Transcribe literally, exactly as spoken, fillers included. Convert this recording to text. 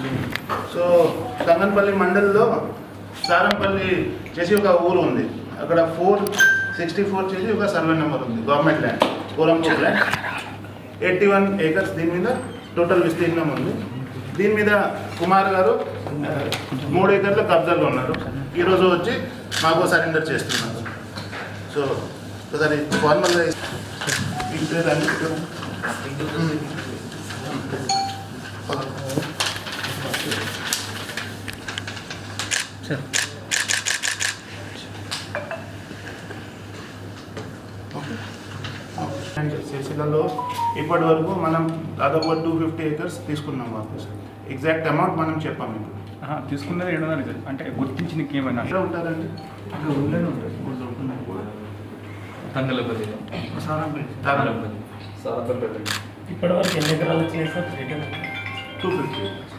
So తంగన్పల్లి మండల్లో సారంపల్లి చేసి ఒక ఊరు ఉంది. అక్కడ ఫోర్ సిక్స్టీ ఫోర్ చేసి ఒక సర్వే నెంబర్ ఉంది, government land, Korampur land, eighty one acres. దీని మీద టోటల్ విస్తీర్ణం ఉంది. దీని మీద కుమార్ గారు మూడు ఏకర్ల కబ్జాలో ఉన్నారు. ఈరోజు వచ్చి మాకు సరెండర్ చేస్తున్నారు. సో ఒకసారి ఫార్మల్గా సిరిసిల్లలో ఇప్పటి వరకు మనం దాదాపు టూ ఫిఫ్టీ ఏకర్స్ తీసుకున్నాం వాపస్. ఎగ్జాక్ట్ అమౌంట్ మనం చెప్పాము. ఇప్పుడు తీసుకున్నది ఏడు వందలు అంటే గుర్తించి నీకు ఏమైనా ఎక్కడ ఉంటారండి? ఊళ్ళోనే ఉంటుంది. తంగలపల్లి తారాపల్లి ఇప్పటివరకు ఎన్ని ఎకరాలు చేసారు? Two fifty